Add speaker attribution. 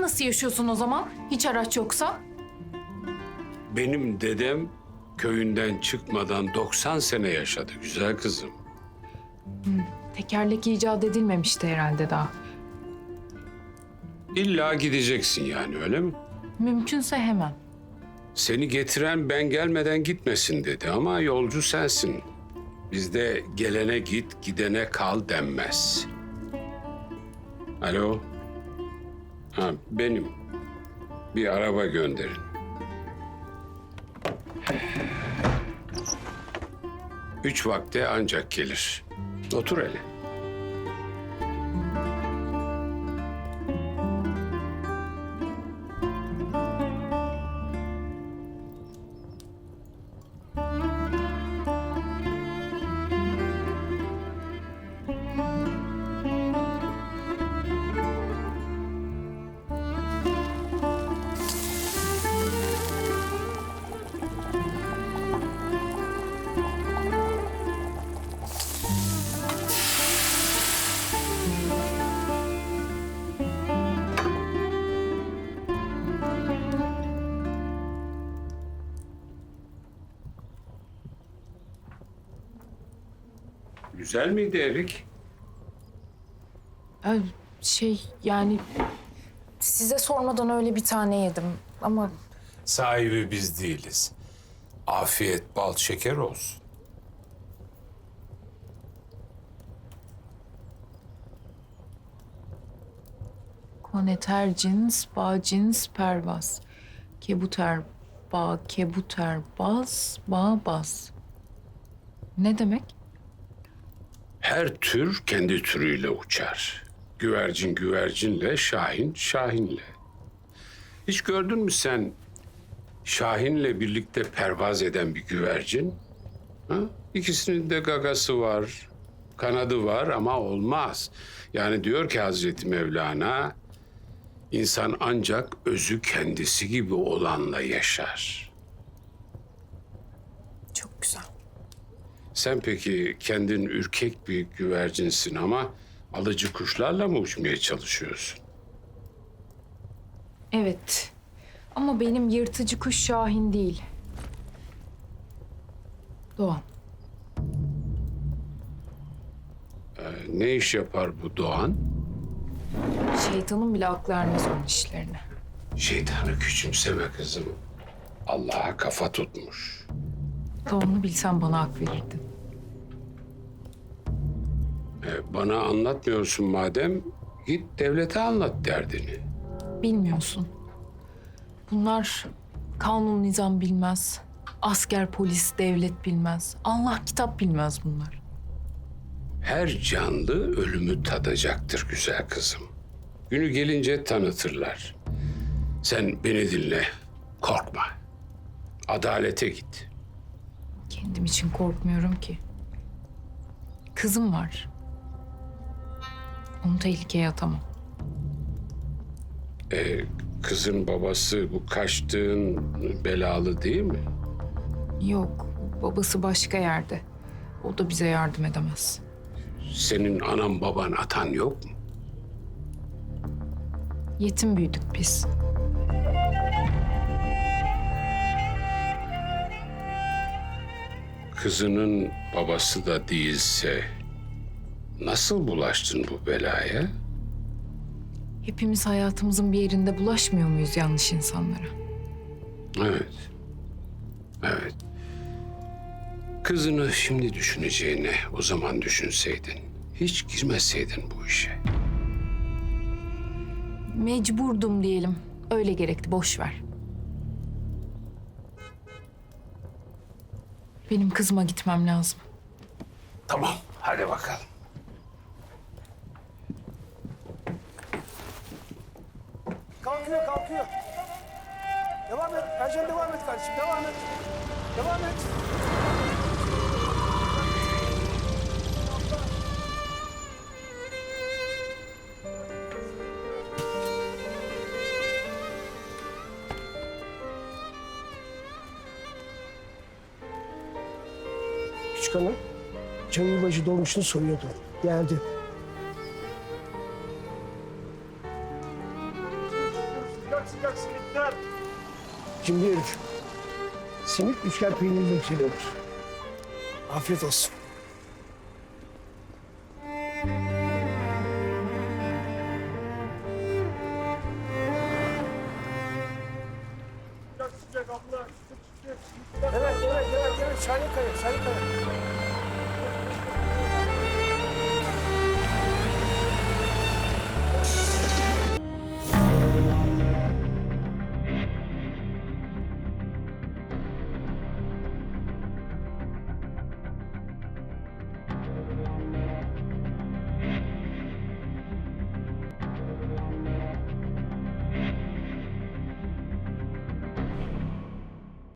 Speaker 1: Sen nasıl yaşıyorsun o zaman? Hiç araç yoksa?
Speaker 2: Benim dedem köyünden çıkmadan 90 sene yaşadı güzel kızım.
Speaker 1: Tekerlek icat edilmemişti herhalde daha.
Speaker 2: İlla gideceksin yani öyle mi?
Speaker 1: Mümkünse hemen.
Speaker 2: Seni getiren ben gelmeden gitmesin dedi ama yolcu sensin. Bizde gelene git, gidene kal denmez. Alo? Ha, benim. Bir araba gönderin. Üç vakte ancak gelir. Otur hele. Güzel miydi Erik?
Speaker 1: Yani size sormadan öyle bir tane yedim ama
Speaker 2: Sahibi biz değiliz. Afiyet bal şeker olsun.
Speaker 1: koneter cins, bağ cins, pervaz. Kebuter, bağ, kebuter, baz, bağ, baz. Ne demek?
Speaker 2: Her tür kendi türüyle uçar. Güvercin güvercinle, şahin şahinle. Hiç gördün mü sen şahinle birlikte pervaz eden bir güvercin? Ha? İkisinin de gagası var, kanadı var ama olmaz. Yani diyor ki Hazreti Mevlana, insan ancak özü kendisi gibi olanla yaşar.
Speaker 1: Çok güzel.
Speaker 2: Sen peki kendin ürkek bir güvercinsin ama alıcı kuşlarla mı uçmaya çalışıyorsun?
Speaker 1: Evet. Ama benim yırtıcı kuş Şahin değil. Doğan.
Speaker 2: Ne iş yapar bu Doğan?
Speaker 1: Şeytanın bile aklı ermez onun işlerine.
Speaker 2: Şeytanı küçümseme kızım. Allah'a kafa tutmuş.
Speaker 1: Doğan'ı bilsen bana hak verirdin.
Speaker 2: Bana anlatmıyorsun madem, git devlete anlat derdini.
Speaker 1: Bilmiyorsun. Bunlar kanun nizam bilmez. Asker, polis, devlet bilmez. Allah kitap bilmez bunlar.
Speaker 2: Her canlı ölümü tadacaktır güzel kızım. Günü gelince tanıtırlar. Sen beni dinle, korkma. Adalete git.
Speaker 1: Kendim için korkmuyorum ki. Kızım var. Onu tehlikeye atamam.
Speaker 2: Kızın babası bu kaçtığın belalı değil mi?
Speaker 1: Yok, babası başka yerde. O da bize yardım edemez.
Speaker 2: Senin anan baban atan yok mu?
Speaker 1: Yetim büyüdük biz.
Speaker 2: Kızının babası da değilse nasıl bulaştın bu belaya?
Speaker 1: Hepimiz hayatımızın bir yerinde bulaşmıyor muyuz yanlış insanlara?
Speaker 2: Evet. Evet. Kızını şimdi düşüneceğine o zaman düşünseydin. Hiç girmeseydin bu işe.
Speaker 1: Mecburdum diyelim. Öyle gerekti, boş ver. Benim kızıma gitmem lazım.
Speaker 2: Tamam, hadi bakalım.
Speaker 3: Kalkıyor, kalkıyor. Devam et. Ercan devam et kardeşim. Devam et. Devam et. Küçük hanım, çay yılbaşı dolmuşunu soruyordu. Geldi. Cimri herif. Simit üçgen peynirle yükseliyorlar. Afiyet olsun. Evet, evet, evet, evet. Şahinkaya, Şahinkaya.